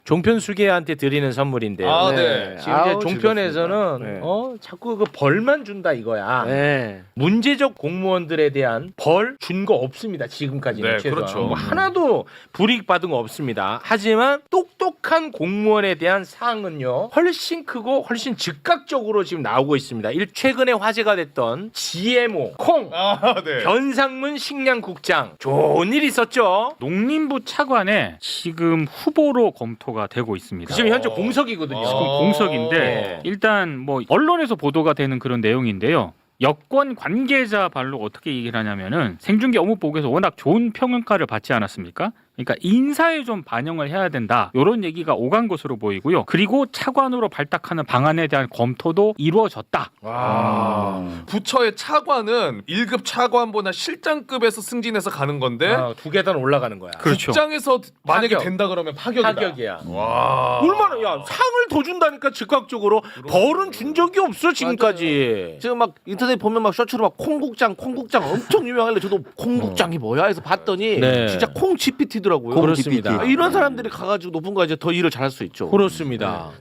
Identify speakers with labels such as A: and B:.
A: 종편수계한테 드리는 선물인데요.
B: 아,
C: 네.
A: 지금 이제
C: 아우,
A: 종편에서는
C: 즐겁습니다.
A: 자꾸 그 벌만 준다 이거야.
C: 네.
A: 문제적 공무원들에 대한 벌 준 거 없습니다. 지금까지는
B: 네,
A: 최소한
B: 그렇죠.
A: 뭐 하나도 불이익 받은 거 없습니다. 하지만 똑똑한 공무원에 대한 사항은요 훨씬 크고 훨씬 즉각적으로 지금 나오고 있습니다. 최근에 화제가 됐던 GMO 콩
B: 아, 네.
A: 변상문 식량국장 좋은 일 있었죠.
D: 농림부 차관에 지금 후보로 검토가 되고 있습니다.
A: 지금 현재 공석이거든요.
D: 지금 공석인데
A: 네.
D: 일단 뭐 언론에서 보도가 되는 그런 내용인데요. 여권 관계자 발로 어떻게 얘기를 하냐면은 생중계 업무보고에서 워낙 좋은 평가를 받지 않았습니까? 그러니까 인사에 좀 반영을 해야 된다. 이런 얘기가 오간 것으로 보이고요. 그리고 차관으로 발탁하는 방안에 대한 검토도 이루어졌다.
B: 부처의 차관은 1급 차관보다 실장급에서 승진해서 가는 건데
A: 두 계단 올라가는 거야.
D: 그렇죠.
B: 국장에서 만약에
A: 파격.
B: 된다 그러면 파격이다.
A: 파격이야.
B: 와.
A: 얼마나 야 상을 더 준다니까 즉각적으로 벌은 준 적이 없어 지금까지.
C: 지금 막 인터넷 보면 막 쇼츠로 막 콩국장 엄청 유명한데 저도 콩국장이 뭐야 해서 봤더니
A: 네.
C: 진짜 콩 GPT더라고요.
A: 그렇습니다.
C: 이런 사람들이 가가지고 높은 거 이제 더 일을 잘할 수 있죠.
A: 그렇습니다.